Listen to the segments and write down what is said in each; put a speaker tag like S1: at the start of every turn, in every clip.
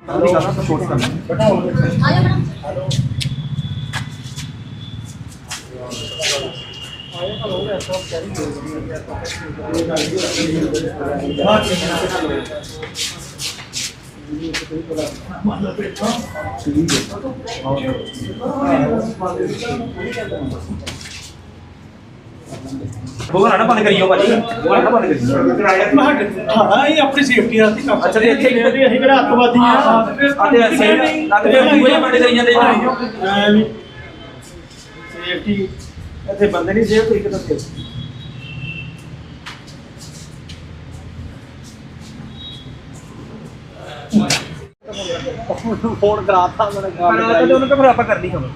S1: ना बंद करियो भाजी ना बंद करियो
S2: हाँ ये अपनी सेफ्टी वास्ते काम
S1: अच्छा ते इत्थे
S2: ਅਸੀਂ ਕਿਹੜਾ ਅੱਤਵਾਦੀ ਆ
S1: आते सही लगदे पूरे बंद करी जांदे
S2: ਸੇਫਟੀ ਇੱਥੇ ਬੰਦੇ ਨਹੀਂ ਸੇਫ ਕੋਈ ਕਿਤੇ ਫੋਨ ਕਰਾਤਾ ਮੈਨੇ
S1: ਤੇ ਉਹਨੂੰ ਫਿਰ ਆਪਾਂ ਕਰਨੀ ਹੁਣ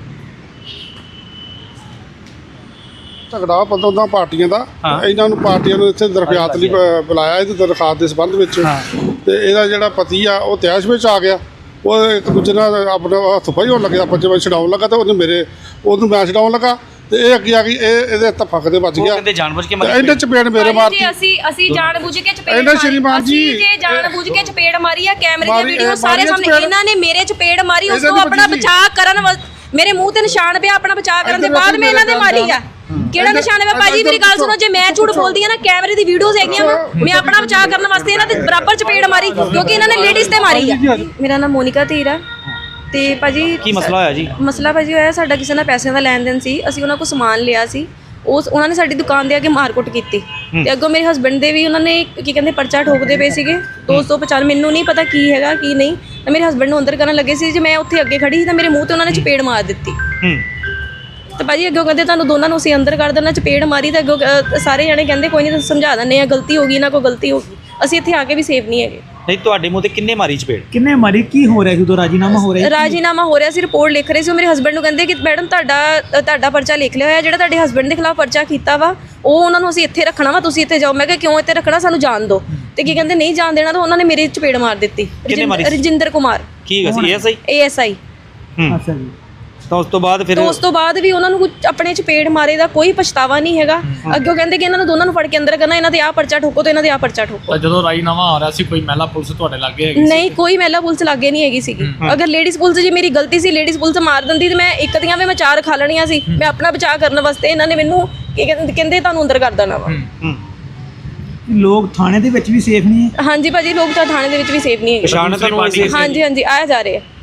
S3: ਝਗੜਾ ਪਤਾ ਉਹਦਾ ਪਾਰਟੀਆਂ ਦਾ ਇਹਨਾਂ ਨੂੰ ਪਾਰਟੀਆਂ ਨੂੰ ਇੱਥੇ ਦਰਖਾਸਤ ਲਈ ਬੁਲਾਇਆ ਇਹਦੀ ਦਰਖਾਸਤ ਦੇ ਸੰਬੰਧ ਵਿੱਚ ਤੇ ਇਹਦਾ ਜਿਹੜਾ ਪਤੀ ਆ ਉਹ ਤਿਆਸ਼ ਵਿੱਚ ਆ ਗਿਆ ਉਹ ਇੱਕ ਦੂਜੇ ਨਾਲ ਆਪਣਾ ਹੱਥ ਪਾਈ ਹੋਣ ਲੱਗਿਆ ਪੰਜ ਵਜੇ ਛਡਾਉਣ ਲੱਗਾ ਤੇ ਉਹਨੂੰ ਮੈਂ ਛਡਾਉਣ ਲੱਗਾ ਤੇ ਇਹ ਅੱਗੇ ਆ ਗਈ ਇਹਦੇ ਤਫਕ ਦੇ ਵੱਜ ਗਿਆ
S1: ਕਹਿੰਦੇ ਜਾਣਬੁੱਝ ਕੇ
S3: ਇਹਨੇ ਚਪੇੜ ਮੇਰੇ ਮਾਰਤੀ
S4: ਅਸੀਂ ਜਾਣਬੁੱਝ ਕੇ ਚਪੇੜ
S3: ਇਹਨਾਂ ਸ਼੍ਰੀਮਾਨ ਜੀ
S4: ਅਸੀਂ ਜਾਣਬੁੱਝ ਕੇ ਚਪੇੜ ਮਾਰੀ ਆ ਕੈਮਰੇ ਦੀ ਵੀਡੀਓ ਸਾਰੇ ਸਾਹਮਣੇ ਇਹਨਾਂ ਨੇ ਮੇਰੇ ਚਪੇੜ ਮਾਰੀ ਉਸ ਤੋਂ ਆਪਣਾ ਬਚਾਅ ਕਰਨ ਮੇਰੇ ਮੂੰਹ ਤੇ ਨਿਸ਼ਾਨ ਪਿਆ ਆਪਣਾ ਬਚਾਅ ਕਰਨ ਦੇ ਬਾਅਦ ਮੈਂ ਇਹਨਾਂ ਦੇ ਮਾਰੀ ਆ ਕਿਹੜਾ ਨਿਸ਼ਾਨ ਹੈ ਭਾਜੀ ਮੇਰੀ ਗੱਲ ਸੁਣੋ ਜੇ ਮੈਂ ਝੂਠ ਬੋਲਦੀ ਆ ਨਾ ਕੈਮਰੇ ਦੀ ਵੀਡੀਓਜ਼ ਹੈਗੀਆਂ ਮੈਂ ਆਪਣਾ ਬਚਾਅ ਕਰਨ ਵਾਸਤੇ ਇਹਨਾਂ ਦੇ ਬਰਾਬਰ ਚਪੇੜ ਮਾਰੀ ਕਿਉਂਕਿ ਇਹਨਾਂ ਨੇ ਲੇਡੀਜ਼ ਤੇ ਮਾਰੀ ਆ ਮੇਰਾ ਨਾਮ ਮੋਨਿਕਾ ਧੀਰ ਆ ਤੇ ਭਾਜੀ
S1: ਕੀ ਮਸਲਾ ਹੋਇਆ ਜੀ
S4: ਮਸਲਾ ਭਾਜੀ ਹੋਇਆ ਸਾਡਾ ਕਿਸੇ ਨਾਲ ਪੈਸਿਆਂ ਦਾ ਲੈਣ ਦੇਣ ਸੀ ਅਸੀਂ ਉਹਨਾਂ ਕੋਲ ਸਮਾਨ ਲਿਆ ਸੀ ਉਹਨਾਂ ਨੇ ਸਾਡੀ ਦੁਕਾਨ ਦੇ ਅੱਗੇ ਮਾਰਕੁੱਟ ਕੀਤੀ ਤੇ ਅੱਗੋਂ ਮੇਰੇ ਹਸਬੰਡ ਦੇ ਵੀ ਉਹਨਾਂ ਨੇ ਕੀ ਕਹਿੰਦੇ ਪਰਚਾ ਠੋਕਦੇ ਪਏ ਸੀਗੇ 250 ਮੈਨੂੰ ਨਹੀਂ ਪਤਾ ਕੀ ਹੈਗਾ ਕੀ ਨਹੀਂ ਤਾਂ ਮੇਰੇ ਹਸਬੰਡ ਨੂੰ ਅੰਦਰ ਕਰਨ ਲੱਗੇ ਸੀ ਜੇ ਮੈਂ ਉੱਥੇ ਅੱਗੇ ਖੜੀ ਸੀ ਤਾਂ ਮੇਰੇ ਮੂੰਹ ਤੇ ਉਹਨਾਂ ਨੇ ਚਪੇੜ ਮਾਰ ਦਿੱਤੀ ਤੇ ਭਾਜੀ ਅੱਗੋਂ ਕਹਿੰਦੇ ਤੁਹਾਨੂੰ ਦੋਨਾਂ ਨੂੰ ਅਸੀਂ ਅੰਦਰ ਕਰ ਦੇਣਾ ਚਪੇੜ ਮਾਰੀ ਤਾਂ ਅੱਗੋਂ ਸਾਰੇ ਜਣੇ ਕਹਿੰਦੇ ਕੋਈ ਨਹੀਂ ਤੁਸੀਂ ਸਮਝਾ ਦਿੰਦੇ ਆ ਗਲਤੀ ਹੋ ਗਈ ਨਾ ਕੋਈ ਗਲਤੀ ਹੋ ਗਈ ਅਸੀਂ ਇੱਥੇ ਆ ਕੇ ਵੀ ਸੇਫ ਨਹੀਂ ਹੈਗੇ
S1: ਨਹੀਂ ਤੁਹਾਡੇ ਮੂੰਹ ਤੇ ਕਿੰਨੇ ਮਾਰੀ ਚਪੇੜ
S2: ਕਿੰਨੇ ਮਾਰੀ ਕੀ ਹੋ ਰਿਹਾ ਜਦੋਂ ਰਾਜੀਨਾਮਾ ਹੋ ਰਿਹਾ
S4: ਰਾਜੀਨਾਮਾ ਹੋ ਰਿਹਾ ਸੀ ਰਿਪੋਰਟ ਲਿਖ ਰਹੇ ਸੀ ਮੇਰੇ ਹਸਬੰਡ ਨੂੰ ਕਹਿੰਦੇ ਕਿ ਮੈਡਮ ਤੁਹਾਡਾ ਪਰਚਾ ਲਿਖ ਲਿਆ ਹੋਇਆ ਜਿਹੜਾ ਤੁਹਾਡੇ ਹਸਬੰਡ ਦੇ ਖਿਲਾਫ ਪਰਚਾ ਕੀਤਾ ਵਾ ਉਹ ਉਹਨਾਂ ਨੂੰ ਅਸੀਂ ਇੱਥੇ ਰੱਖਣਾ ਵਾ ਤੁਸੀਂ ਇੱਥੇ ਜਾਓ ਮੈਂ ਕਿਹਾ ਕਿਉਂ ਇੱਥੇ ਰੱਖਣਾ ਸਾਨੂੰ ਜਾਣ ਦਿਓ ਤੇ ਕੀ ਕਹਿੰਦੇ ਨਹੀਂ ਜਾਣ ਦੇਣਾ ਤਾਂ ਉਹਨਾਂ ਨੇ ਮੇਰੀ ਚਪੇੜ ਮਾਰ ਦਿੱਤੀ ਰਜਿੰਦਰ ਕੁਮਾਰ
S1: ਕੀ ਹੈਗਾ ਸੀ
S4: ASI
S2: ਅੱਛਾ ਜੀ
S1: ਤਾਂ ਉਸ ਤੋਂ ਬਾਅਦ
S4: ਵੀ ਉਹਨਾਂ ਨੂੰ ਕੁਝ ਆਪਣੇ ਚਪੇੜ ਮਾਰੇ ਦਾ ਕੋਈ ਪਛਤਾਵਾ ਨਹੀਂ ਹੈਗਾ ਅੱਗੇ ਕਹਿੰਦੇ ਕਿ ਇਹਨਾਂ ਨੂੰ ਦੋਨਾਂ ਨੂੰ ਫੜ ਕੇ ਅੰਦਰ ਕਰਨਾ ਇਹਨਾਂ ਦੇ ਆਹ ਪਰਚਾ ਠੋਕੋ ਤੇ ਇਹਨਾਂ ਦੇ ਆਹ ਪਰਚਾ ਠੋਕੋ
S5: ਤਾਂ ਜਦੋਂ ਰਾਜੀਨਾਮਾ ਆ ਰਿਹਾ ਸੀ ਕੋਈ ਮਹਿਲਾ ਪੁਲਿਸ ਤੁਹਾਡੇ ਲੱਗੇ ਹੈਗੀ
S4: ਨਹੀਂ ਕੋਈ ਮਹਿਲਾ ਪੁਲਿਸ ਲੱਗੇ ਨਹੀਂ ਹੈਗੀ ਸੀਗੀ ਅਗਰ ਲੇਡੀਜ਼ ਪੁਲਿਸ ਜੀ ਮੇਰੀ ਗਲਤੀ ਸੀ ਲੇਡੀਜ਼ ਪੁਲਿਸ ਮਾਰ ਦਿੰਦੀ ਤੇ ਮੈਂ ਇੱਕ ਦੀਆਂ ਵੀ ਮੈਂ 4 ਖਾ ਲੈਣੀਆਂ ਸੀ ਮੈਂ ਆਪਣਾ ਬਚਾਅ ਕਰਨ ਵਾਸਤੇ ਇਹਨਾਂ ਨੇ ਮੈਨੂੰ ਕਹਿੰਦੇ ਤੁਹਾਨੂੰ ਅੰਦਰ ਕਰ ਦੇਣਾ ਵਾ
S2: ਲੋਕ ਥਾਣੇ ਦੇ ਵਿੱਚ ਵੀ ਸੇਫ ਨਹੀਂ ਹੈ
S4: ਹਾਂਜੀ ਭਾਜੀ ਲੋਕ ਤਾਂ ਥਾਣੇ ਦੇ ਵਿੱਚ ਵੀ ਸੇਫ ਨਹੀਂ ਹੈਗੇ
S1: ਪਛਾਣ ਤੁਹਾਨੂੰ
S4: ਹਾਂਜੀ ਆਇਆ ਜਾ ਰਹੇ ਆ